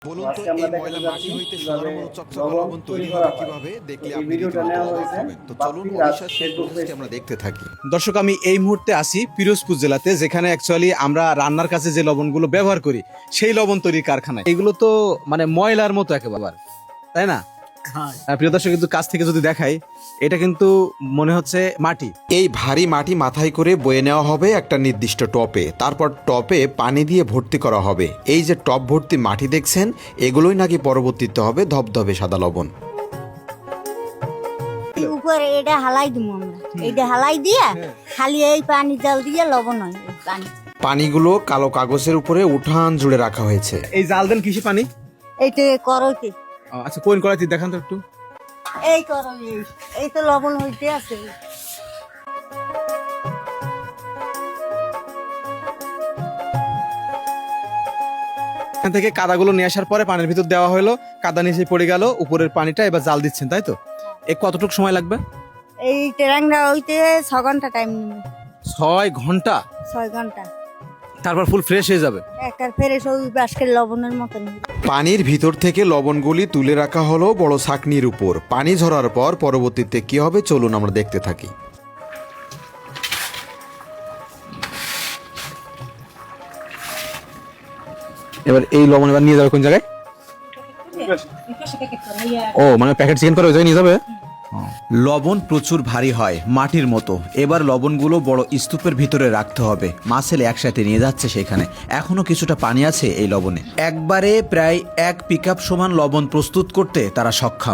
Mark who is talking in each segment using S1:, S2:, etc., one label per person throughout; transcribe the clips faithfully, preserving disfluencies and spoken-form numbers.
S1: বলুন তো
S2: আজকে আমরা
S1: এই
S2: দেখাতে
S1: ময়লা মাটি
S2: যাচ্ছি
S1: হইতে
S2: কিভাবে
S1: সোনার মতো চকচকে
S2: লবণ
S1: লবণ তৈরি
S2: তৈরি
S1: হবে
S2: করা হয়।
S1: কিভাবে দেখলে
S2: এই
S1: আপনি
S2: ভিডিওটা
S1: রীতিমতো
S2: নেওয়া
S1: অবাক
S2: হয়েছে
S1: হবেন। তো চলুন
S2: বাপ্পি রাজ
S1: ওড়িশার সেই
S2: ফেসবুক
S1: প্রসেসটি
S2: পেজ
S1: আমরা
S2: থেকে।
S1: দেখতে থাকি।
S3: দর্শক, আমি এই মুহূর্তে আসি পিরোজপুর জেলাতে, যেখানে অ্যাকচুয়ালি আমরা রান্নার কাছে যে লবণগুলো ব্যবহার করি সেই লবণ তৈরির কারখানায়। এগুলো তো মানে ময়লার মতো একেবারে, তাই না? হ্যাঁ, প্রিয় দর্শক, কিন্তু কাছ থেকে যদি দেখাই, এটা কিন্তু মনে হচ্ছে মাটি।
S1: এই ভারী মাটি মাথায় করে বয়ে নেওয়া হবে একটা নির্দিষ্ট টপে, তারপর টপে পানি দিয়ে ভর্তি করা হবে। এই যে টপ ভর্তি মাটি দেখছেন, এগুলোই নাকি পরবর্তীতে হবে ধবধবে সাদা লবণ।
S4: উপরে এটা হালাই দিব আমরা, এইটা হালাই দিয়া খালি এই পানি জল দিয়ে লবণ হয় এই পানি।
S1: পানিগুলো কালো কাগজের উপরে উঠান জুড়ে রাখা হয়েছে।
S3: এই জাল দেন কিসে পানি?
S4: এইটা করতে
S3: ও, আচ্ছা, কোন কড়াইতে দেখান তো একটু।
S4: এই করো এই এই তো লবণ হইতে আছে।
S3: এখান থেকে কাদাগুলো নিয়ে আসার পরে পানির ভিতর দেওয়া হলো, কাদা নিচে পড়ে গেল, উপরের পানিটা এবার জাল দিচ্ছেন, তাই তো? এ কতটুকু সময় লাগবে?
S4: এই ট্রেনটা হইতে ছ ঘন্টা টাইম নেবে।
S3: ছয় ঘন্টা?
S4: ছয় ঘন্টা
S3: তারপর ফুল ফ্রেশ হয়ে যাবে।
S4: একটা ফেরেস ওই বাসকের লবণের মতন।
S1: পানির ভিতর থেকে লবণগুলি তুলে রাখা হলো বড় ছাঁকনির উপর। পানি ঝরার পর পরবর্তীতে কি হবে চলুন আমরা দেখতে থাকি।
S3: এবার এই লবণ এবার নিয়ে যাবে কোন জায়গায়? ও, মানে প্যাকেট চিকেন করে ওই জায়গায় নিয়ে যাবে। লবণ প্রচুর ভারী হয়, মাটির মতো। এবার লবণগুলো বড় স্তূপের ভিতরে রাখতে হবে। মাছেল একসাথে নিয়ে যাচ্ছে সেখানে। এখনো কিছুটা পানি আছে এই লবণে। একবারে প্রায় এক পিকআপ সমান লবণ প্রস্তুত করতে তারা সক্ষম।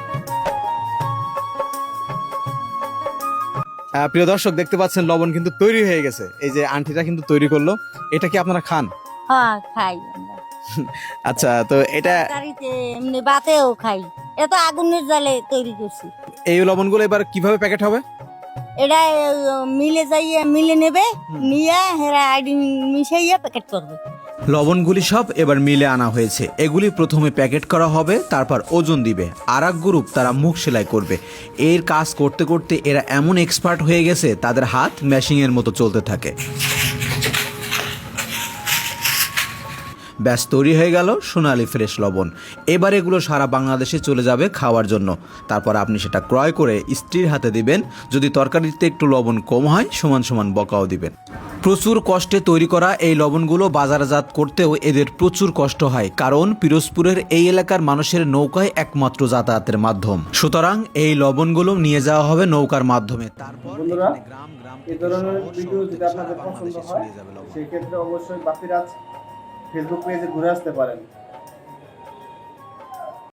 S3: প্রিয় দর্শক, দেখতে পাচ্ছেন লবণ কিন্তু তৈরি হয়ে গেছে। এই যে আন্টিটা কিন্তু তৈরি করলো। এটা কি আপনারা খান?
S4: হ্যাঁ, খাই আমরা।
S3: আচ্ছা, তো এটা
S4: তরকারিতে এমনি বাতেও খাই। এটা আগুনের জালে তৈরি করছি।
S3: এই লবণগুলো এবার কিভাবে প্যাকেট হবে?
S4: এটা মিলে যাইয়ে মিলে নেবে, নিয়ে হেরা আইডি মিশাইয়া প্যাকেট করবে।
S3: লবণগুলি সব এবার মিলে আনা হয়েছে। এগুলি প্রথমে প্যাকেট করা হবে, তারপর ওজন দিবে। আর এক গ্রুপ তারা মুখ সেলাই করবে। এর কাজ করতে করতে এরা এমন এক্সপার্ট হয়ে গেছে, তাদের হাত মেশিনের মতো চলতে থাকে। ব্যাস, তৈরি হয়ে গেল সোনালি ফ্রেশ লবণ। এবার এগুলো সারা বাংলাদেশে চলে যাবে খাওয়ার জন্য। তারপর আপনি সেটা ক্রয় করে স্ত্রীর হাতে দিবেন। যদি তরকারিতে একটু লবণ কম হয়, সমান সমান বকাও দিবেন। প্রচুর কষ্টে তৈরি করা এই লবণগুলো বাজারজাত করতেও এদের প্রচুর কষ্ট হয়, কারণ পিরোজপুরের এই এলাকার মানুষের নৌকায় একমাত্র যাতায়াতের মাধ্যম। সুতরাং এই লবণগুলো নিয়ে যাওয়া হবে নৌকার মাধ্যমে। তারপর
S2: বন্ধুরা,
S3: গ্রাম গ্রাম
S2: এই ধরনের ভিডিও যদি আপনাদের পছন্দ হয় সেক্ষেত্রে অবশ্যই বাপ্পি রাজ ফেসবুক পেজে ঘুরে আসতে পারেন।